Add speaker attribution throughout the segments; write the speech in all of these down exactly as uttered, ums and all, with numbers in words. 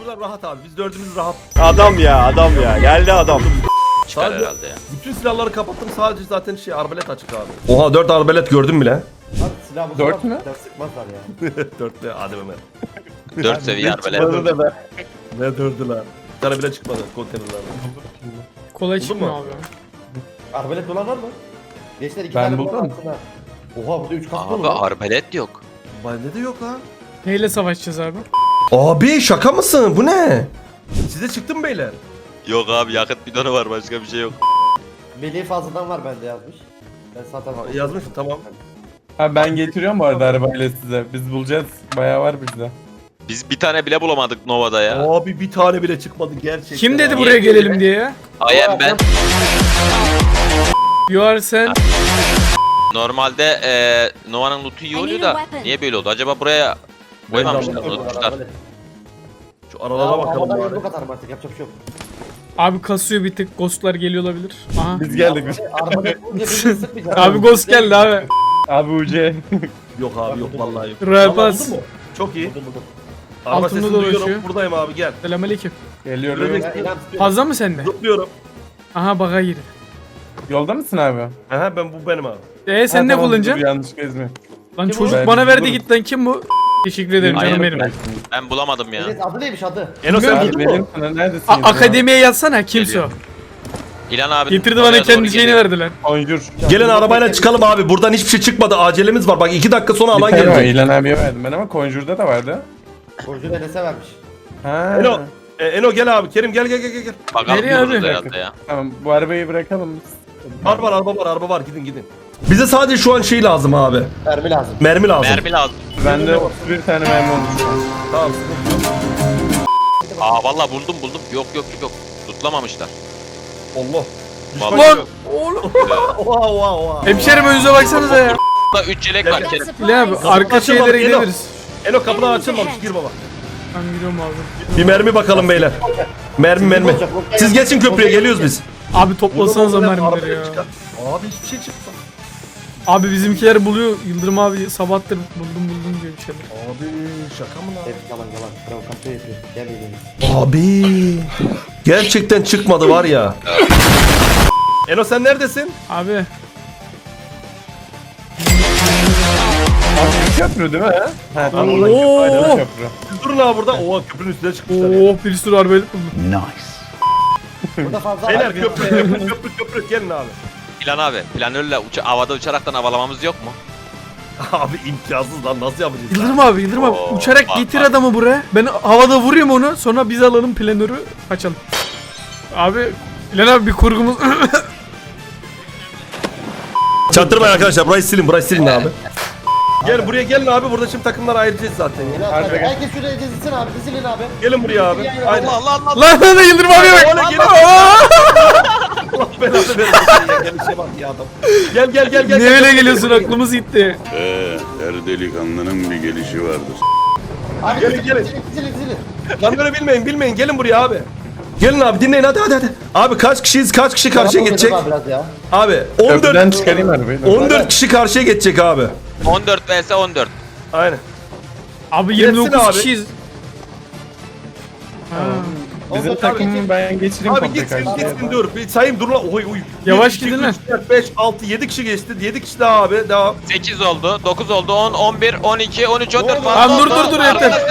Speaker 1: Burada rahat abi. Biz dördümüz rahat.
Speaker 2: Adam ya adam ya. Geldi adam.
Speaker 3: Çıkar
Speaker 1: Sadece-
Speaker 3: herhalde ya.
Speaker 1: Bütün silahları kapattım. Sadece zaten şey arbalet açık abi. Oha dört arbalet gördüm bile.
Speaker 4: Abi silah bu
Speaker 5: Dört
Speaker 4: silah-
Speaker 5: mü?
Speaker 4: silah sıkmazlar ya.
Speaker 1: Dörtlü hadi Ömer.
Speaker 3: Dört seviye arbelet.
Speaker 5: Bana da
Speaker 1: Ne dördü lan? Bir tane bile çıkmadı konteynerlerden.
Speaker 6: Kolay
Speaker 1: Buldun
Speaker 6: çıkmıyor
Speaker 1: mu?
Speaker 6: abi.
Speaker 4: Arbelet dolan var mı? Gençler iki
Speaker 5: Ben
Speaker 4: tane
Speaker 5: buldum.
Speaker 4: bulan aslında. Oha burada üç kask
Speaker 3: Abi
Speaker 4: var.
Speaker 3: arbelet yok.
Speaker 1: Bende de yok lan.
Speaker 6: Neyle savaşacağız abi?
Speaker 1: Abi şaka mısın? Bu ne? Size çıktı mı beyler?
Speaker 3: Yok abi yakıt bidonu var başka bir şey yok.
Speaker 4: Melih fazladan var bende yazmış. Ben zaten
Speaker 1: Yazmış mı? Tamam.
Speaker 5: Ha ben getiriyorum bu arada arabayla size. Biz bulacağız. Bayağı var bizde.
Speaker 3: Biz bir tane bile bulamadık Nova'da ya.
Speaker 1: Abi bir tane bile çıkmadı gerçekten.
Speaker 6: Kim dedi
Speaker 1: abi.
Speaker 6: buraya gelelim diye ya?
Speaker 3: I am ben.
Speaker 6: You are sen.
Speaker 3: Normalde eee Nova'nın loot'u iyi oluyor da niye böyle oldu? Acaba buraya koymamışlar,
Speaker 1: Ben de
Speaker 3: unutmuşlar.
Speaker 1: Şu aralara bakalım
Speaker 4: Havadan
Speaker 1: bari.
Speaker 4: yumruk atarım artık yapacak bir şey yok.
Speaker 6: Abi kasıyor bir tık. Ghostlar geliyor olabilir. Aha.
Speaker 5: Biz geldik.
Speaker 4: Arbalet bulunca birbirini sıkmayacağız.
Speaker 6: Abi ghost geldi abi.
Speaker 5: Abi U C.
Speaker 1: Yok abi yok vallahi yok.
Speaker 6: Royal
Speaker 1: Vallahi
Speaker 6: Pass.
Speaker 1: buldun mu? Çok iyi.
Speaker 4: Buldum buldum.
Speaker 1: Araba
Speaker 6: Altında
Speaker 1: sesini
Speaker 6: dolaşıyor.
Speaker 1: duyuyorum. Buradayım abi gel.
Speaker 6: Selamünaleyküm.
Speaker 5: Geliyorum.
Speaker 4: Ben ilan tutuyorum.
Speaker 6: Fazla mı sende?
Speaker 1: Zıplıyorum.
Speaker 6: Aha baga girdi.
Speaker 5: Yolda mısın abi?
Speaker 1: Aha ben bu benim abi.
Speaker 6: Ee sen
Speaker 5: Ha,
Speaker 6: ne
Speaker 5: tamam,
Speaker 6: kullanacaksın?
Speaker 5: dur, yanlış gezme.
Speaker 6: Lan
Speaker 4: Kim
Speaker 6: çocuk
Speaker 5: o?
Speaker 6: bana
Speaker 5: Ben
Speaker 6: verdi
Speaker 5: bulurum.
Speaker 6: git lan kim bu? Teşekkür ederim
Speaker 3: Aynen
Speaker 6: canım benim.
Speaker 3: öyle. Ben bulamadım ya.
Speaker 4: Melih adı neymiş adı?
Speaker 1: Eno sen
Speaker 6: Bilmiyorum.
Speaker 1: buldun
Speaker 5: Abi
Speaker 1: mu?
Speaker 5: benim sana neredesin?
Speaker 6: A-
Speaker 5: ya?
Speaker 6: akademiye yazsana kimse o.
Speaker 3: Geliyor. İlan abi.
Speaker 6: Getirdi
Speaker 3: oraya
Speaker 6: bana
Speaker 3: doğru
Speaker 6: kendi şeyini
Speaker 3: geliyor.
Speaker 6: verdi lan.
Speaker 5: Conjure.
Speaker 1: Gelin arabayla çıkalım abi. Buradan hiçbir şey çıkmadı. Acelemiz var. Bak iki dakika sonra
Speaker 5: Bir
Speaker 1: alan
Speaker 5: tane var,
Speaker 1: gelecek.
Speaker 5: İlhan abiye verdim ben ama Conjure'da da vardı.
Speaker 4: Borcu Enes'e vermiş.
Speaker 5: Ha.
Speaker 1: Eno, e, Eno gel abi. Kerim gel gel gel gel.
Speaker 3: Bakalım
Speaker 6: Nereye
Speaker 3: buluruz
Speaker 6: abi?
Speaker 3: herhalde ya.
Speaker 5: Tamam bu arabayı bırakalım biz.
Speaker 1: Var var araba var araba var. Gidin gidin. Bize sadece şu an şey lazım abi.
Speaker 4: Mermi lazım.
Speaker 1: Mermi lazım.
Speaker 3: Mermi lazım.
Speaker 5: Bende otuz bir tane mermi olmuş.
Speaker 1: Tamam.
Speaker 3: Aa vallahi buldum buldum. Yok yok yok. Tutlamamışlar.
Speaker 1: Allah.
Speaker 3: Vallahi.
Speaker 6: Lan oğlum.
Speaker 1: Oha oha oha.
Speaker 6: Hemşerim önünüze baksanıza ya.
Speaker 3: Burada üç yelek var Kerim.
Speaker 6: İlhan abi arka
Speaker 1: açılmadı,
Speaker 6: şeylere
Speaker 1: Eno.
Speaker 6: gidebiliriz.
Speaker 1: Eno kapıdan açılmamış. Gir baba.
Speaker 6: Ben gidiyorum abi.
Speaker 1: Bir mermi bakalım beyler. Mermi mermi. Siz geçin köprüye geliyoruz biz.
Speaker 6: Abi toplasanıza
Speaker 1: Buradan oradan
Speaker 6: mermileri ya.
Speaker 1: arabaya çıkar. Abi hiçbir şey çıktı.
Speaker 6: Abi bizimkiler buluyor. Yıldırım abi sabahtır buldum buldum diyor bir şeyler.
Speaker 1: Abi şaka mı lan?
Speaker 4: Evet yalan yalan. Provokasyon yapıyor. Gel Melih.
Speaker 1: Abi gerçekten çıkmadı var ya. Eno sen neredesin?
Speaker 6: Abi
Speaker 5: Abi köprü değil mi? Ha Ha, tamam.
Speaker 6: Oo.
Speaker 5: Aynen köprü.
Speaker 1: Siz durun abi burada. Oha köprünün üstüne çıkmışlar. ya.
Speaker 6: oh bir sürü arbelet buldum.
Speaker 4: Burada fazla
Speaker 1: Beyler
Speaker 4: var.
Speaker 1: köprü köprü köprü köprü gelin abi.
Speaker 3: İlan abi planörle uça havada uçaraktan havalamamız yok mu?
Speaker 1: Abi imkansız lan nasıl yapacağız?
Speaker 6: Yıldırım abi Yıldırım abi
Speaker 3: Oo,
Speaker 6: uçarak
Speaker 3: bak,
Speaker 6: getir
Speaker 3: bak.
Speaker 6: adamı buraya. Ben havada vurayım onu sonra biz alalım planörü kaçalım. Abi İlhan abi bir kurgumuz...
Speaker 1: Çaktırmayın arkadaşlar burayı silin burayı silin abi. Gel buraya gelin abi burada şimdi takımlara ayıracağız zaten ya.
Speaker 4: Melih
Speaker 5: Harbi
Speaker 4: abi,
Speaker 5: gel.
Speaker 4: herkes şuraya dizilsin abi. Dizilin abi.
Speaker 1: Gelin buraya abi. Aynen.
Speaker 3: Allah Allah Allah.
Speaker 6: lan lan lan Yıldırım abiye bak.
Speaker 1: Öyle gelin. Allah belanı versin ya gelişe bak ya adam. Gel gel gel gel.
Speaker 6: Niye
Speaker 1: gel,
Speaker 6: öyle
Speaker 1: gel,
Speaker 6: geliyorsun
Speaker 1: gel, gel.
Speaker 6: aklımız gitti.
Speaker 7: Ee, her delikanlının bir gelişi vardır.
Speaker 4: Abi
Speaker 1: Gelin,
Speaker 4: dizilin,
Speaker 1: gelin.
Speaker 4: dizilin dizilin dizilin.
Speaker 1: Lan böyle bilmeyin bilmeyin gelin buraya abi. Gelin abi dinleyin hadi hadi hadi. Abi kaç kişiyiz kaç kişi karşıya
Speaker 4: Tamam,
Speaker 1: geçecek?
Speaker 4: abi Biraz ya.
Speaker 1: Abi
Speaker 5: Köprüden
Speaker 1: on dört
Speaker 5: çıkarayım arabayı.
Speaker 1: on dört kişi karşıya geçecek abi.
Speaker 3: on dört vs on dört.
Speaker 1: Aynen.
Speaker 6: Abi yirmi dokuz
Speaker 1: abi.
Speaker 6: kişiyiz. Ha.
Speaker 5: Bizim
Speaker 4: Abi,
Speaker 5: takımı ben geçireyim
Speaker 1: Abi
Speaker 5: komple
Speaker 1: gitsin
Speaker 5: karşıya.
Speaker 1: gitsin dur. Bir sayayım dur lan. Oy oy.
Speaker 6: Yavaş
Speaker 1: Bir, iki,
Speaker 6: gidin
Speaker 1: üç,
Speaker 6: lan.
Speaker 1: dört, beş, altı, yedi kişi geçti. yedi kişi daha abi. Devam.
Speaker 3: sekiz oldu, dokuz oldu, on, on bir, on iki, on üç, on dört.
Speaker 6: Tamam, dur, dur, dur, yeter.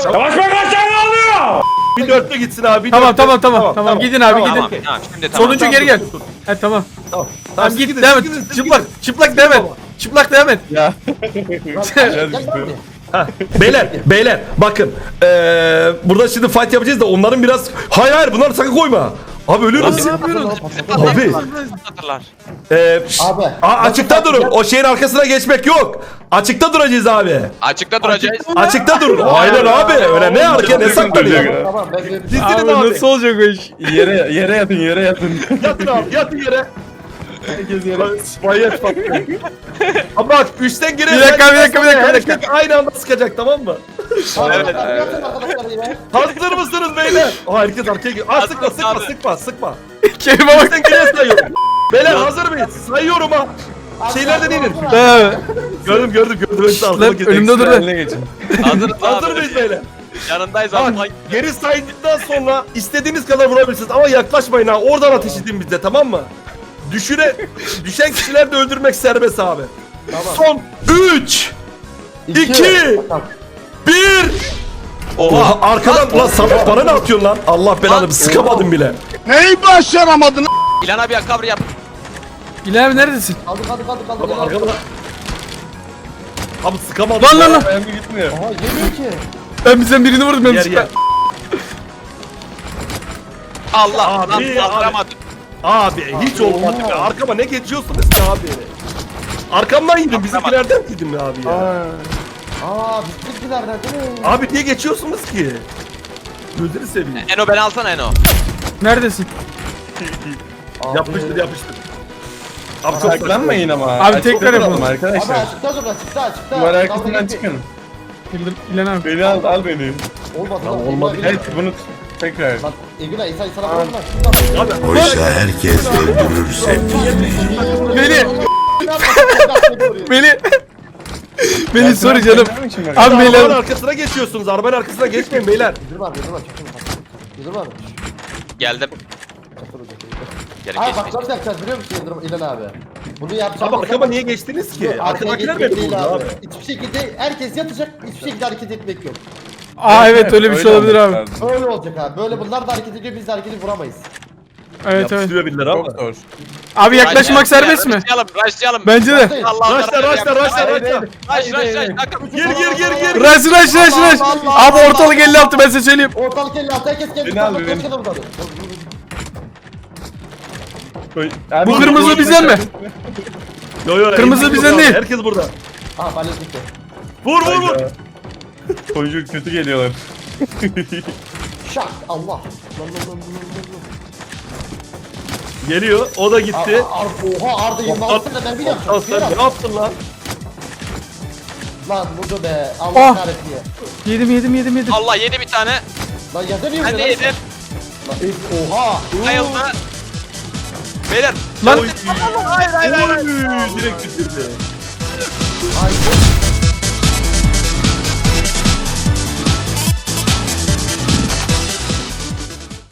Speaker 1: Bir dörtlü gitsin abi. bir
Speaker 6: Tamam
Speaker 1: dörtlü.
Speaker 6: tamam tamam tamam gidin abi
Speaker 3: Tamam,
Speaker 6: gidin.
Speaker 3: tamam, şimdi tamam.
Speaker 6: Sonuncu
Speaker 1: Tamam,
Speaker 6: geri gel.
Speaker 1: dur, dur, dur.
Speaker 6: He tamam.
Speaker 1: Tamam.
Speaker 6: Tamam
Speaker 1: siz
Speaker 6: git
Speaker 1: gidin,
Speaker 6: devam
Speaker 1: siz gidin,
Speaker 6: et.
Speaker 1: siz
Speaker 6: Çıplak
Speaker 1: gidin.
Speaker 6: çıplak devam et. Çıplak devam et.
Speaker 5: Ya.
Speaker 4: Gel gel abi.
Speaker 1: Ha, beyler beyler bakın. Ee, burada şimdi fight yapacağız da onların biraz. Hayır hayır bunları sakın koyma. Abi ölürüz.
Speaker 6: Ne yapıyorsun?
Speaker 1: Abi.
Speaker 3: Hatırlar.
Speaker 1: Ee,
Speaker 4: Abi.
Speaker 1: Aa, açıkta durun. O şeyin arkasına geçmek yok. Açıkta duracağız abi.
Speaker 3: Açıkta duracağız.
Speaker 1: Açıkta durun. Aynen abi. Öyle ne hareket ne saklanıyor.
Speaker 4: Tamam ben bir
Speaker 1: Dizilin
Speaker 6: Abi
Speaker 1: abi.
Speaker 6: nasıl olacak o iş?
Speaker 5: Yere yere yatın yere yatın.
Speaker 1: Yatın abi yatın yere.
Speaker 5: Herkes yere.
Speaker 1: Bayat bak. Ama bak üçten girer.
Speaker 6: Bir dakika, bir dakika, bir dakika, bir dakika.
Speaker 1: Herkes aynı anda sıkacak tamam mı?
Speaker 4: Evet.
Speaker 3: Evet.
Speaker 4: Arkadaşlar yine.
Speaker 1: Hazır mısınız beyler? Aa, herkes arkaya gidiyor. Aa, sıkma
Speaker 3: Hazırız
Speaker 1: sıkma
Speaker 3: abi.
Speaker 1: sıkma sıkma.
Speaker 6: Kelime bak.
Speaker 1: Üçten geriye sayıyorum. Beyler hazır mıyız? Sayıyorum ha. Şeylerde değilim.
Speaker 6: He.
Speaker 1: Gördüm gördüm gördüm. Hepsi arkama
Speaker 6: Lan
Speaker 1: gidiyor.
Speaker 6: önümde dur lan.
Speaker 5: Eline geçin.
Speaker 3: Hazırız
Speaker 1: Hazır
Speaker 3: abi.
Speaker 1: mıyız beyler?
Speaker 3: Yanındayız
Speaker 1: Bak,
Speaker 3: abi.
Speaker 1: geri saydıktan sonra istediğiniz kadar vurabilirsiniz ama yaklaşmayın ha. Oradan ateş edin bize, tamam mı? Düşüre, düşen kişiler de öldürmek serbest abi.
Speaker 4: Tamam.
Speaker 1: Son üç, iki,
Speaker 4: Tamam.
Speaker 1: bir. Oha arkadan lan Samet bana ne atıyorsun lan? Allah belanı sıkamadım bile.
Speaker 3: İlhan abi ya cover yap.
Speaker 6: İlhan abi neredesin?
Speaker 4: Kaldı kaldı kaldı kaldı.
Speaker 1: Abi
Speaker 4: kaldı.
Speaker 1: arkadan. Abi sıkamadım.
Speaker 6: Lan lan lan.
Speaker 5: Ben mi gitmiyor?
Speaker 4: Aha yemiyor ki.
Speaker 6: Ben bizden birini vurdum ben
Speaker 1: Yer
Speaker 6: sıkı.
Speaker 1: yer.
Speaker 3: Allah
Speaker 1: Abi,
Speaker 3: lan
Speaker 1: abi.
Speaker 3: kaldıramadım.
Speaker 1: Abi hiç olmadı be. Arkama ne geçiyorsunuz ki abi? Arkamdan yedim. Bizimkilerden yedim ya abi ya.
Speaker 4: Aa bizimkilerden değil mi?
Speaker 1: Abi niye geçiyorsunuz ki? Gözünü seveyim.
Speaker 3: Eno beni alsana Eno.
Speaker 6: Neredesin?
Speaker 4: Abi.
Speaker 1: Yapıştır yapıştır. Abi çok
Speaker 5: Saklanmayın ama.
Speaker 6: Abi
Speaker 5: Açıkta
Speaker 6: tekrar
Speaker 5: duralım
Speaker 6: yapalım.
Speaker 4: Abi
Speaker 5: arkadaşlar.
Speaker 4: açıkta dur açıkta açıkta.
Speaker 5: Duvar
Speaker 4: Dalga
Speaker 5: arkasından
Speaker 4: geçme.
Speaker 5: çıkın.
Speaker 6: İlhan abi.
Speaker 5: Beni al, al beni.
Speaker 4: Olmadı
Speaker 1: Lan
Speaker 4: lan.
Speaker 1: olmadı.
Speaker 4: Egülay,
Speaker 5: Evet bunu tekrar.
Speaker 4: Lan Egülay insan insana
Speaker 5: Tamam.
Speaker 4: vurma.
Speaker 1: Abi
Speaker 7: Oysa herkes öldürür sevdiğini.
Speaker 6: Beni. Beni. Beni sorry canım. Abi
Speaker 1: arabanın
Speaker 6: beyler.
Speaker 1: arkasına geçiyorsunuz. Arabanın arkasına geçmeyin beyler.
Speaker 4: Yıldırım abi yıldırım abi çekil. Yıldırım abi.
Speaker 3: Geldim.
Speaker 4: Çatır hocam.
Speaker 3: Geri
Speaker 4: Abi
Speaker 3: geç.
Speaker 4: bak nasıl yapacağız biliyor musun Yıldırım İlhan abi? Bunu yapacağım.
Speaker 1: Abi arkama niye geçtiniz ki?
Speaker 4: Arkaya
Speaker 1: Arkadakiler
Speaker 4: geçmek
Speaker 1: beni
Speaker 4: değil
Speaker 1: vurdu abi.
Speaker 4: Hiçbir şekilde herkes yatacak, hiçbir şekilde hareket etmek yok.
Speaker 6: Aa evet öyle bir şey olabilir abi.
Speaker 4: Böyle olacak abi. Böyle bunlar da hareket ediyor, biz de hareketi vuramayız.
Speaker 6: Evet evet.
Speaker 1: Yapıştırıyor birileri ama.
Speaker 5: Çok zor.
Speaker 6: Abi yaklaşmak serbest mi?
Speaker 3: Rushlayalım, rushlayalım.
Speaker 6: Bence de.
Speaker 4: Başlayın.
Speaker 3: Allah
Speaker 1: Raşla raşla raşla raşla.
Speaker 3: Rush, rush, rush. Takım.
Speaker 1: Gir gir gir gir.
Speaker 6: Rush rush rush rush. Abi ortalık elli altı ben size söyleyeyim.
Speaker 4: Ortalık elli altı herkes kendi
Speaker 5: Beni al,
Speaker 4: kafasına
Speaker 5: beni.
Speaker 4: kadar vurdu.
Speaker 6: Bu kırmızı bizden mi?
Speaker 1: Yo yo.
Speaker 6: Kırmızı
Speaker 1: herkes
Speaker 6: bizden
Speaker 1: burada,
Speaker 6: değil.
Speaker 1: Herkes burada.
Speaker 4: Aha balyoz gitti.
Speaker 1: Vur vur vur.
Speaker 5: Çocuk kötü geliyorlar.
Speaker 4: Şak Allah. Lan lan lan lan lan.
Speaker 1: Geliyor. O da gitti.
Speaker 4: Ar- Ar- Oha Arda yirmi altısında ben bir
Speaker 1: Lan
Speaker 4: yapacağım.
Speaker 1: sen ne yaptın lan?
Speaker 4: Lan vurdu be.
Speaker 6: Ah.
Speaker 4: Allah kahretsin ya.
Speaker 6: Yedim yedim yedim yedim.
Speaker 3: Allah yedi bir tane.
Speaker 4: Lan yazamıyor
Speaker 3: Ben de yedim.
Speaker 4: Lan, e, Oha.
Speaker 3: Bayıldı. Beyler.
Speaker 6: Lan
Speaker 3: Hayır hayır hayır.
Speaker 1: Oy, direkt bitirdi.
Speaker 4: Ay,